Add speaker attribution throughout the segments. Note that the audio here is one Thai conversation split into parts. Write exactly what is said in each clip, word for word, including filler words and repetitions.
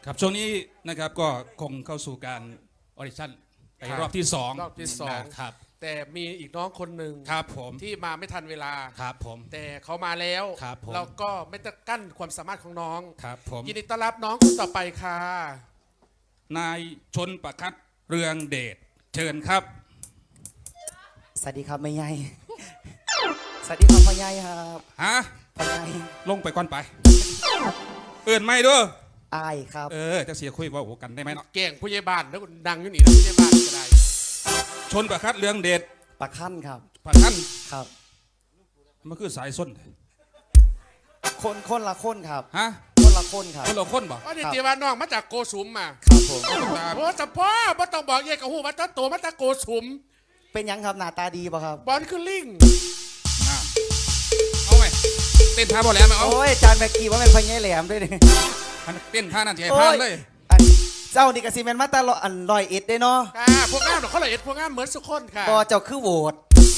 Speaker 1: ครับช่วงนี้นะครับก็คงเข้าสู่การออดิชั่นไปรอบที่สอง
Speaker 2: รอบที่สอง
Speaker 1: ครับ
Speaker 2: แต่มีอีกน้องคนหนึ่ง
Speaker 1: ครับผม
Speaker 2: ที่มาไม่ทันเวลา
Speaker 1: ครับผม
Speaker 2: แต่เขามาแล้ว
Speaker 1: ครับผม
Speaker 2: เราก็ไม่ต้องกั้นความสามารถของน้อง
Speaker 1: ครับผม
Speaker 2: ยินดีต้อนรับน้องคนต่อไปค่ะ
Speaker 1: นายชนประคัตเรืองเดชเชิญครับ
Speaker 3: สวัสดีครับแม่ใหญ่ สวัสดีครับพ่อใหญ่ครับ
Speaker 1: ฮะ
Speaker 3: พ่อใหญ่
Speaker 1: ลงไปก่อนไปเอื่นไม่ด้วย
Speaker 3: อายครับ
Speaker 1: เออจะเสียคุยว่าโอ้กันได้ไหมเนาะ
Speaker 2: เก่งผู้ใหญ่บ้านแล้วดังอยู่นี่แล้วผู้ใหญ่บ้านก็ได้
Speaker 1: ชนประคัตเรืองเดช
Speaker 3: ปากขั้นครับ
Speaker 1: ประคัน
Speaker 3: ครับ
Speaker 1: มันคือสายส้น
Speaker 3: คนคนละคนครับ
Speaker 1: ฮะ
Speaker 3: คนละคนครับ
Speaker 1: คนเราคนบ่
Speaker 2: ว่าเดี๋ยวจีว่าน้องมาจากโกสุมมา
Speaker 3: ครับผม
Speaker 2: โอ้แต่พ่อไม่ต้องบอกเย่กับหูว่าตั้งตัวมาจากโกสุม
Speaker 3: เป็นยังครับหน้าตาดีป่ะครับ
Speaker 2: บอลคือลิง
Speaker 1: อ่ะเอาไหมเต้นท่าบอลแล้วไหมเอา
Speaker 3: โอ้ยจานแบกกี้ว่าเป็นพ่อใหญ่แหลมด้วยนี่
Speaker 1: เต้นท่านั่นจะให้พลาดเลย
Speaker 3: อันเจ้านี่กสิเมนมาตลอดอันลอยเอ็ดได้เนาะ
Speaker 2: ค่ะพวกงามเขาเลยเอ็ดพวกงามเหมือนสุขคนค่ะ
Speaker 3: บอเจ้าคือโหวต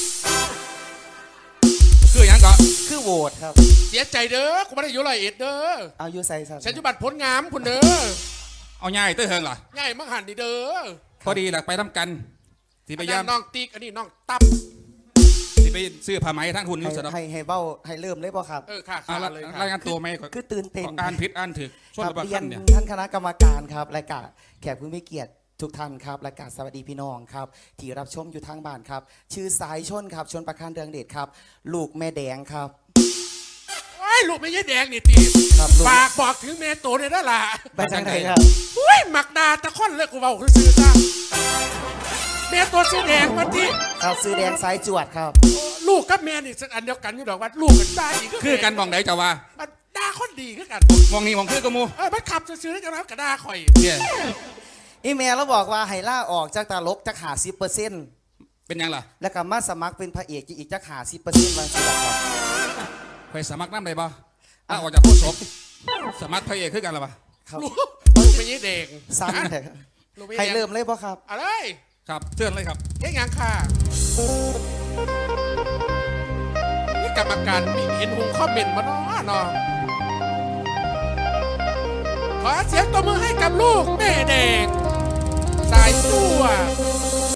Speaker 1: คืออย่างก็
Speaker 3: คือโหวตครับ
Speaker 2: เสียใจเด้อกูไม่ได้อยู่เลยเอ็ดเด้อ
Speaker 3: เอาอยู่ใส่สัตว์
Speaker 2: ฉันอยู่บัตรผลงามคุณเด้อ
Speaker 1: เอาง่ายเต้ยเฮิงเหรอ
Speaker 2: ง่ายมากหันดีเด้อ
Speaker 1: พอดีหลักไปทำกันสิพ
Speaker 2: อัน
Speaker 1: ยายา
Speaker 2: นั้
Speaker 1: ม
Speaker 2: นน้องติ๊กอันนี้น้องตับ
Speaker 1: สิไปซื้อผ้าไหมทั้งหุ่น
Speaker 3: ให้
Speaker 1: นิ้วสะดอก
Speaker 3: ให้ให้เบ้าให้เริ่มเลยป่ะครับ
Speaker 2: เออค่ะ
Speaker 1: อ่า
Speaker 2: ค่ะเลย
Speaker 1: ราย
Speaker 2: ค่ะ
Speaker 1: งานตัวไหมก่อน
Speaker 3: คือตื่นเต้น
Speaker 1: อ่านผิดอ่านถึกชน
Speaker 3: ครับ
Speaker 1: ประ
Speaker 3: เรีย
Speaker 1: คั
Speaker 3: น
Speaker 1: นเนี่ย
Speaker 3: ท่านคณะกรรมการครับรายการแขกผู้มีเกียรติทุกท่านครับรายการสวัสดีพี่น้องครับที่รับชมอยู่ทางบ้านครับ ชื่อสายชนครับชนประคันเรืองเดชครับ ลูกแม่แดงครับ
Speaker 2: โอ้ยลูกไม่ใช่แดงนี่ตี
Speaker 3: ครับลูก
Speaker 2: ฝากบอกถึงเมโตเนี่ยนั่นล่ะ
Speaker 3: ไปทางไหนครับ
Speaker 2: อุ้ยหมักดาตะค่อนเลยกูเบาคือซื้อจ้าเมโตสีแดงมาที่
Speaker 3: ครับซื้อแดงสายจวดครับ
Speaker 2: ลูกกับแม่นี่อันเดียวกันอยู่ดอกว่าลูกกันได้อีก
Speaker 1: คือกันมองไหนจะว่า
Speaker 2: มันด่าคนดีคือกัน
Speaker 1: มองนี่มองคือกับมู
Speaker 2: เออมันขับซื้อๆกันแล้วกระดาข่อย
Speaker 1: เนี่ย
Speaker 3: อีเมลเราบอกว่าให้ล่าออกจากตลกจากหาสิบเปอร์เซ็นต์
Speaker 1: เป็นยังล่ะ
Speaker 3: แล้วก็มาสมัครเป็นพระเอกอีกจากหาสิบเปอร์เซ็นต์วันสิบครับ
Speaker 1: ไปสมัครน้ำได้ปะอ้าวออกจากโคศกสมัครพระเอกคือกันหรอปะ
Speaker 3: ครับ
Speaker 2: ลูกลูกไม่ใช่แดง
Speaker 3: ซ้ำเลยครับ
Speaker 2: ลูกไม่
Speaker 3: ให้
Speaker 2: ใช่แดง
Speaker 3: เริ่มเลยป่ะครับ
Speaker 2: อะไร
Speaker 1: ครับเชิญเลยครับ
Speaker 2: เอ๊ะยังค่ะนี่กรรมการมีเห็นหงคอมเมนต์มาเนาะเนาะขอเสียงตบมือให้กับลูกแม่แดงสายตัว